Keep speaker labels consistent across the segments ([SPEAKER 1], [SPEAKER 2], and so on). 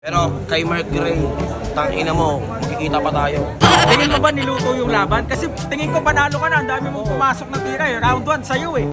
[SPEAKER 1] Pero kay Mark Gray, tangina mo, magkikita pa tayo.
[SPEAKER 2] Tingin mo ba niluto yung laban? Kasi tingin ko panalo ka na, ang dami mong pumasok na tira eh. Round 1 sa'yo eh.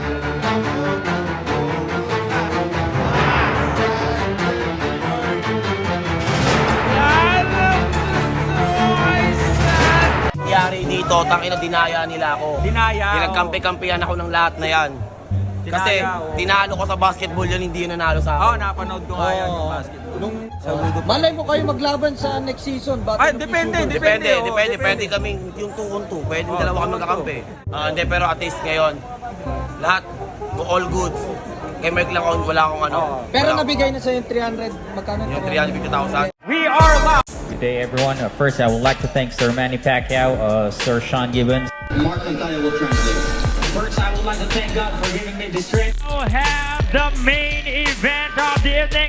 [SPEAKER 1] Nangyari dito, tangina dinaya nila ako.
[SPEAKER 2] Dinaya.
[SPEAKER 1] Pinagkampi-kampihan ako ng lahat na yan. Kasi tinalo ko sa basketball yun, hindi yun nanalo sa
[SPEAKER 2] Oo,
[SPEAKER 1] akin.
[SPEAKER 2] napanood ko nga yan yung basketball.
[SPEAKER 3] Malay mo kayo maglaban sa next season.
[SPEAKER 2] Ay, depende.
[SPEAKER 1] Pwede kaming yung 2-on-2, pwede dalawa kami magkakampi. Hindi, pero at least ngayon, lahat, all goods. Kay Mark lang ako, wala akong ano.
[SPEAKER 3] Pero
[SPEAKER 1] wala
[SPEAKER 3] nabigay na sa yung 300, magkano?
[SPEAKER 1] yung 350,000.
[SPEAKER 2] We are live!
[SPEAKER 4] Good day, everyone. First, I would like to thank Sir Manny Pacquiao, Sir Sean Gibbons.
[SPEAKER 5] Mark Antaya will translate.
[SPEAKER 4] First, I would like to thank God for giving me the strength.
[SPEAKER 6] We'll have the main event of the evening.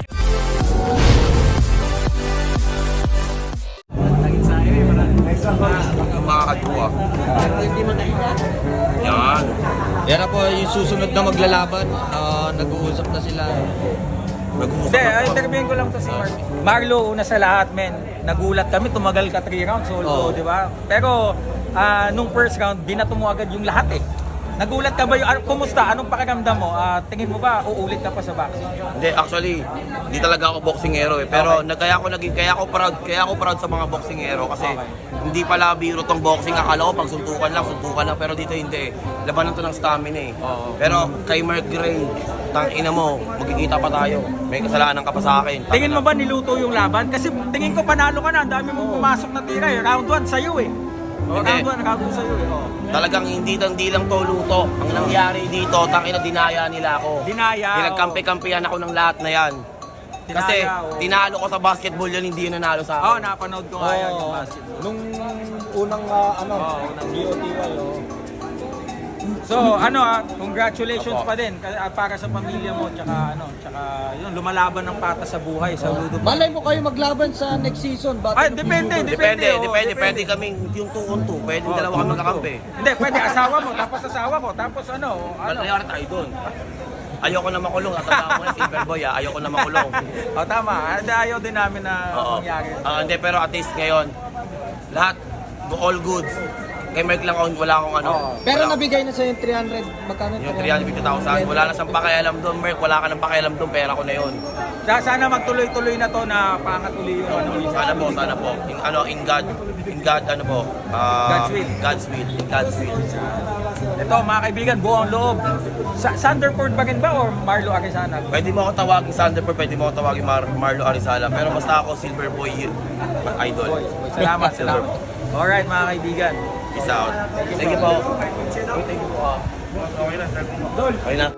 [SPEAKER 1] Mga kadua. Yan.
[SPEAKER 3] Yan na po yung susunod na maglalaban. Nag-uusap na sila.
[SPEAKER 1] Nag-uusap
[SPEAKER 2] Hindi,
[SPEAKER 1] ako.
[SPEAKER 2] interviewin ko lang to si Mark. Marlo, una sa lahat, men. Nagulat kami, tumagal ka 3 rounds, although, di ba? Pero, nung first round, binato mo agad yung lahat eh. Nagulat ka ba yung, kumusta? Anong pakiramdam mo? Tingin mo ba, uulit ka pa sa boxing?
[SPEAKER 1] Hindi, actually, hindi talaga ako boxingero eh. Pero kaya ako proud sa mga boxingero kasi hindi pala biro tong boxing. Akala ko pag suntukan lang. Pero dito hindi eh. Labanan to ng stamina eh. Pero kay Mark Gray, tangina mo, magkikita pa tayo. May kasalanan ka pa sa akin.
[SPEAKER 2] Tingin mo ba niluto yung laban? Kasi tingin ko panalo ka na, ang dami mong pumasok na tira eh. Round 1 sa'yo eh.
[SPEAKER 1] Hindi.
[SPEAKER 2] Round 1 sa'yo eh.
[SPEAKER 1] Talagang hindi lang to luto. Ang nangyari dito, tangina dinaya nila ako.
[SPEAKER 2] Dinaya.
[SPEAKER 1] Pinagkampi-kampihan ako ng lahat na yan. Kasi tinalo ko sa basketball yun, hindi yun nanalo sa
[SPEAKER 2] Oo,
[SPEAKER 1] akin.
[SPEAKER 2] napanood ko nga yan yung basketball.
[SPEAKER 3] Nung unang GOTY,
[SPEAKER 2] So, congratulations pa din para sa pamilya mo tsaka yun lumalaban ng pata sa buhay sa Ludo.
[SPEAKER 3] malay mo kayo maglaban sa next season.
[SPEAKER 2] Ay, depende.
[SPEAKER 1] Pwede kaming yung 2-on-2, pwede dalawa kami magkakampi.
[SPEAKER 2] Hindi, pwede asawa mo, tapos asawa ko, tapos
[SPEAKER 1] Nangyari tayo doon. Ayoko na makulong. Tatanda mo na Silver Boy ayoko na makulong.
[SPEAKER 2] O tama, ayaw din namin na
[SPEAKER 1] Oo.
[SPEAKER 2] mangyari.
[SPEAKER 1] Hindi, pero at least ngayon, lahat, all goods. Kay Mark lang ako, wala akong ano.
[SPEAKER 3] Pero
[SPEAKER 1] wala-
[SPEAKER 3] nabigay na sa yung 300, magkano?
[SPEAKER 1] Yung 350,000, wala na siyang pakialam doon, Mark. Wala ka nang pakialam doon, pera ko na yun.
[SPEAKER 2] Sana magtuloy-tuloy na to na pangatuloy yung
[SPEAKER 1] Sana po. In God,
[SPEAKER 2] God's will.
[SPEAKER 1] In God's will.
[SPEAKER 2] Ito mga kaibigan, buong loob. Sanderford ba rin ba or Marlo Arizana?
[SPEAKER 1] Pwede mo ako tawagin Sanderford, pwede mo ako tawagin Marlo Arizala. Pero basta ako Silver Boy idol.
[SPEAKER 2] Salamat. Alright mga kaibigan.
[SPEAKER 1] Peace out. Thank you po. Okay na.